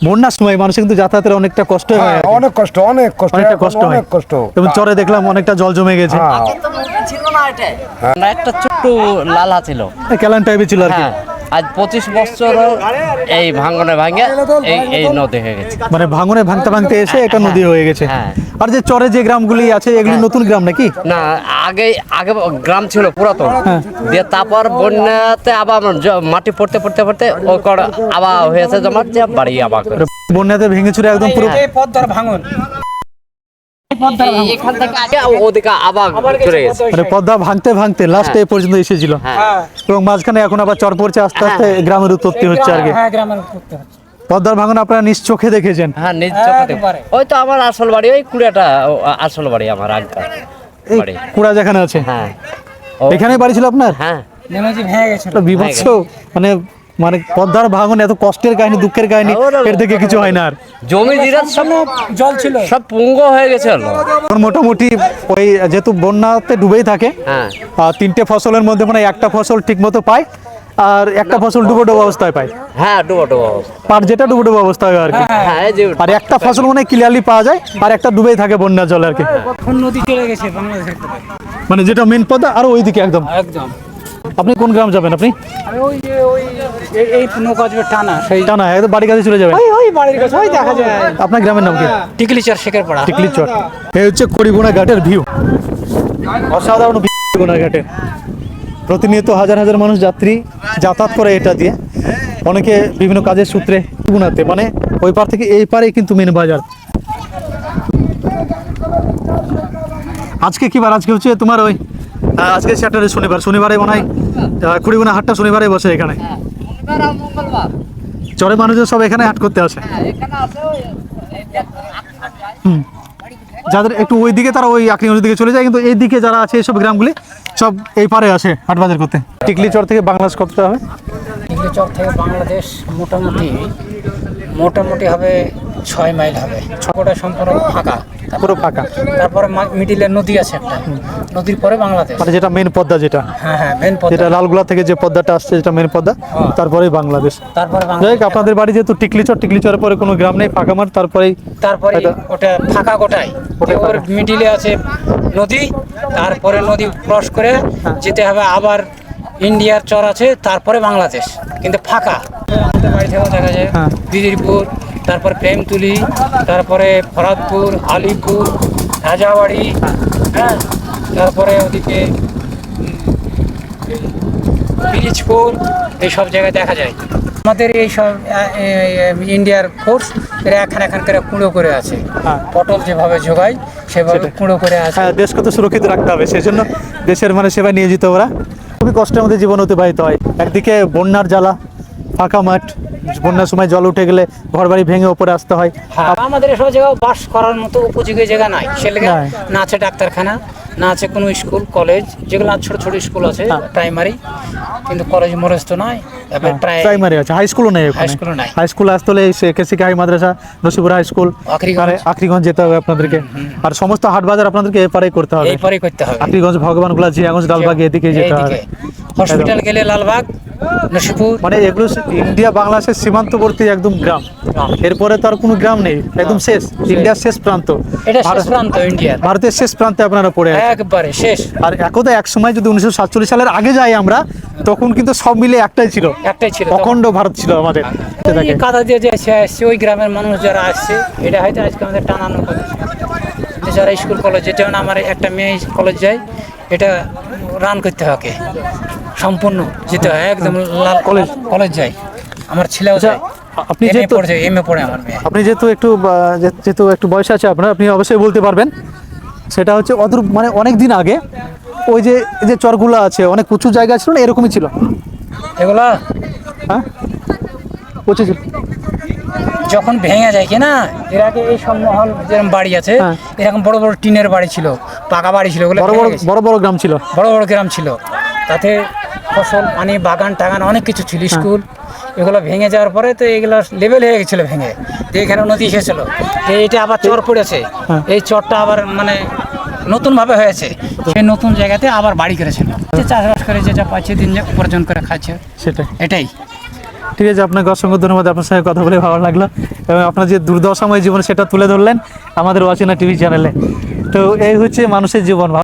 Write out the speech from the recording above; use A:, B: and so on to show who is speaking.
A: বন্যার সময় মানুষের কিন্তু যাতায়াতের অনেকটা কষ্ট হয়,
B: অনেক কষ্ট
A: অনেকটা কষ্ট হয়।
B: অনেক কষ্ট।
A: এবং চরে দেখলাম অনেকটা জল জমে গেছে,
C: একটা ছোট্ট লালা ছিল,
A: কেলান টাইপের ছিল আর কি।
C: হ্যাঁ আজ 25 বছর এই ভাঙনে ভাঙে এই নদী হয়ে গেছে।
A: মানে ভাঙনে ভাঙতে ভাঙতে এসে এটা নদী হয়ে গেছে।
C: হ্যাঁ।
A: আর যে চরে যে গ্রামগুলি আছে এগুলি নতুন গ্রাম নাকি?
C: না, আগে আগে গ্রাম ছিল পুরাতন, দিয়ে তারপর বন্যাতে আবার মাটি পড়তে পড়তে পড়তে ওই কড়া আবার হয়েছে জমা যে বাড়ি আবার করে।
A: বন্যাতে ভেঙে চুরে একদম পুরো
D: পদ্মার ভাঙন
C: এখান থেকে আগে ওদিকে আবার চলে গেছে।
A: মানে পদ্মা ভাঙতে ভাঙতে লাস্টে এ পর্যন্ত এসেছিল,
C: হ্যাঁ
A: এবং মাঝখানে এখন আবার চর পড়ছে, আস্তে আস্তে গ্রামের উৎপত্তি হচ্ছে আর কি।
D: হ্যাঁ গ্রামের করতে হচ্ছে।
A: পদ্মার ভাঙন আপনারা নিজ চোখে দেখেছেন?
C: হ্যাঁ নিজ চোখে দেখো। ওই তো আমার আসল বাড়ি, ওই কুড়িয়াটা আসল বাড়ি আমার আগকার
A: এই
C: বাড়ি।
A: কুড়া যেখানে আছে
C: হ্যাঁ
A: এখানেই বাড়ি ছিল আপনার?
C: হ্যাঁ
D: নেমেজি ভেঙে গেছিল।
A: একটা বিভৎস, মানে মানে পদ্মার ভাঙন এত কষ্টের কাহিনী, দুঃখের কাহিনী, এর থেকে কিছু হয় না। আর
C: জমি জিরাত সব
D: জল ছিল,
C: সব পুঙ্গ হয়ে গেছে।
A: এখন মোটামুটি ওই যেহেতু বন্যাতে ডুবেই থাকে,
C: হ্যাঁ
A: তিনটে ফসলের মধ্যে মানে একটা ফসল ঠিক মতো পায়, আর একটা ফসল ডুবো ডুবো অবস্থায় পায়,
C: হ্যাঁ ডুবো ডুবো।
A: পার যেটা ডুবো ডুবো অবস্থায় হয় আর কি।
C: হ্যাঁ এই যে
A: আর একটা ফসল মানে ক্লিয়ারলি পাওয়া যায়, আর একটা ডুবেই থাকে বন্যা জল আর কি।
D: এখন নদী চলে গেছে বাংলাদেশের দিকে।
A: মানে যেটা মেন পদ্মা আর ওইদিকে একদম।
D: একদম
A: আপনি কোন গ্রাম যাবেন? আপনি
D: আমি ওই যে এই নৌকা যে টানা সেই
A: টানা একদম বাড়ি কাছে চলে যাবেন।
D: ওই বাড়ির কাছে ওই দেখা যায়
A: আপনার গ্রামের নাম কি?
D: টিকলিচর শেখের পাড়া।
A: টিকলি চর। এই হচ্ছে কড়িগুনা ঘাটের ভিউ, অসাধারণ কড়িগুনা ঘাটের। প্রতিনিয়ত হাজার হাজার মানুষ যাত্রী যাতায়াত করে এটা দিয়ে, অনেকে বিভিন্ন কাজের সূত্রে গুনাতে, মানে ওই পার থেকে এই পারে কিন্তু মেন বাজার। আজকে কি বার? আজকে হচ্ছে তোমার ওই আজকে স্যাটারডে, শনিবার। শনিবারে মনে হয় খুড়িগুনা হাটটা শনিবারে বসে এখানে। চরে মানুষজন সব এখানে হাট করতে আসে। যাদের একটু ওই দিকে তারা ওই আকরিগঞ্জের দিকে চলে যায়, কিন্তু এই দিকে যারা আছে এইসব গ্রামগুলি সব এই পারে আসে হাট বাজার করতে। টিকলি চর থেকে বাংলাদেশ কতটা হবে?
D: টিকলিচর থেকে বাংলাদেশ মোটামুটি হবে 6 মাইল হবে। ছটা সম্পূর্ণ ফাঁকা,
A: পুরো ফাঁকা।
D: তারপরে মিডিলে নদী আছে একটা, নদীর পরে বাংলাদেশ।
A: মানে যেটা মেন পদ্মা, যেটা
D: হ্যাঁ হ্যাঁ মেন পদ্মা,
A: যেটা লালগোলা থেকে যে পদ্মাটা আসছে, যেটা মেন পদ্মা, তারপরেই বাংলাদেশ।
D: তারপরে
A: যাই
D: বাংলাদেশ,
A: হোক, আপনাদের বাড়ি যেহেতু টিকলিচর, টিকলিচরের পরে কোনো গ্রাম নেই, ফাঁকা মাঠ, তারপরেই
D: তারপরে ওটা ফাঁকা গোটাই। ওর মিডিলে আছে নদী, তারপরে নদী ক্রস করে যেতে হবে আবার ইন্ডিয়ার চর আছে, তারপরে বাংলাদেশ, কিন্তু ফাঁকা। আমাদের বাড়ি থেকেও দেখা যায় বিদিরপুর, তারপর প্রেমতুলি, তারপরে ফরাদপুর, আলিপুর, রাজাবাড়ি, হ্যাঁ, তারপরে ওদিকে পিরিজপুর, এইসব জায়গায় দেখা যায়। আমাদের এই সব ইন্ডিয়ার ফোর্স এরা এখান করে কুঁড়ো করে আছে, পটল যেভাবে জোগায় সেভাবে কুঁড়ো করে আছে।
A: হ্যাঁ, দেশকে তো সুরক্ষিত রাখতে হবে, সেই জন্য দেশের মানে সেবায় নিয়োজিত ওরা। খুবই কষ্টের মধ্যে জীবন অতিবাহিত হয়। একদিকে বন্যার জ্বালা, ফাঁকা মাঠ, বন্যার সময় জল উঠে গেলে ঘর বাড়ি ভেঙে ওপরে আসতে হয়।
D: আমাদের এসব জায়গায় বাস করার মতো উপযোগী জায়গা নাই, সেলেগে না আছে ডাক্তারখানা, না আছে কোনো স্কুল কলেজ, যেগুলো ছোট ছোট স্কুল আছে প্রাইমারি, কিন্তু কলেজ মরেজ তো নাই।
A: প্রাইমারি আছে, হাই স্কুলও নেই।
D: হাই স্কুলও নাই।
A: হাই স্কুল আসতে হলে কেসিকে হাই মাদ্রাসা, নসিপুর হাই স্কুল, আখরিগঞ্জ যেতে হবে আপনাদেরকে। আর সমস্ত হাট বাজার আপনাদেরকে এপারেই করতে হবে।
D: এপারেই করতে হবে।
A: আখরিগঞ্জ, ভগবানগোলা, জিয়াগঞ্জ, লালবাগ এদিকে যেতে হবে।
D: হসপিটাল গেলে লালবাগ, নসিপুর,
A: মানে এগুলো ইন্ডিয়া বাংলাদেশের সীমান্তবর্তী একদম গ্রাম। এরপরে তো আর কোনো গ্রাম নেই, একদম শেষ, ইন্ডিয়ার শেষ প্রান্ত।
D: এটা শেষ প্রান্ত ইন্ডিয়ার,
A: ভারতের শেষ প্রান্তে আপনারা পড়ে আছেন
D: একবারে শেষ।
A: আর একদা এক সময় যদি 1947 সালের আগে যাই আমরা, তখন কিন্তু সব মিলে একটাই ছিল, অখণ্ড ভারত ছিল আমাদের।
D: এই কাদা দিয়ে যে আসছে ওই গ্রামের মানুষ যারা আসছে, এটা হয়তো আজকে আমাদের টানানো কথা। যারা স্কুল কলেজ, যেমন আমার একটা মেয়ে কলেজ যায়, এটা রান করতে হয়, সম্পূর্ণ যেতে হয়, একদম লাল কলেজ যায়। আমার ছেলেও যায়,
A: আপনি যেহেতু
D: এমএ পড়ে আমার মেয়ে।
A: আপনি যেহেতু একটু বয়স আছে আপনার, আপনি অবশ্যই বলতে পারবেন। সেটা হচ্ছে অদূর মানে অনেক দিন আগে ওই যে চরগুলো আছে, অনেক উঁচু জায়গা ছিল না, এরকমই ছিল
D: এগুলা।
A: হ্যাঁ, উঁচু ছিল।
D: যখন ভেঙে যায় কি না, এর আগে এই সব মহল যেরকম বাড়ি আছে, এরকম বড় বড় টিনের বাড়ি ছিল, পাকা বাড়ি ছিল,
A: বড় গ্রাম ছিল,
D: বড় গ্রাম ছিল। তাতে ফসল, পানি, বাগান টাগান অনেক কিছু ছিল, স্কুল। এগুলো ভেঙে যাওয়ার পরে তো এগুলো লেভেল হয়ে গেছিলো ভেঙে, এখানে নদী এসেছিল, এটা আবার চর পড়েছে। এই চরটা আবার মানে নতুন ভাবে হয়েছে, সেই নতুন জায়গাতে আবার বাড়ি করেছিল। চাষবাস করে যেটা পাচ্ছে, দিন উপার্জন করে খাচ্ছে,
A: সেটাই।
D: এটাই
A: ঠিক আছে, আপনাকে অসংখ্য ধন্যবাদ, আপনার সঙ্গে কথা বলে ভালো লাগলো এবং আপনার যে দুর্দশাময় জীবন সেটা তুলে ধরলেন আমাদের অচেনা টিভি চ্যানেলে। তো এই হচ্ছে মানুষের জীবন।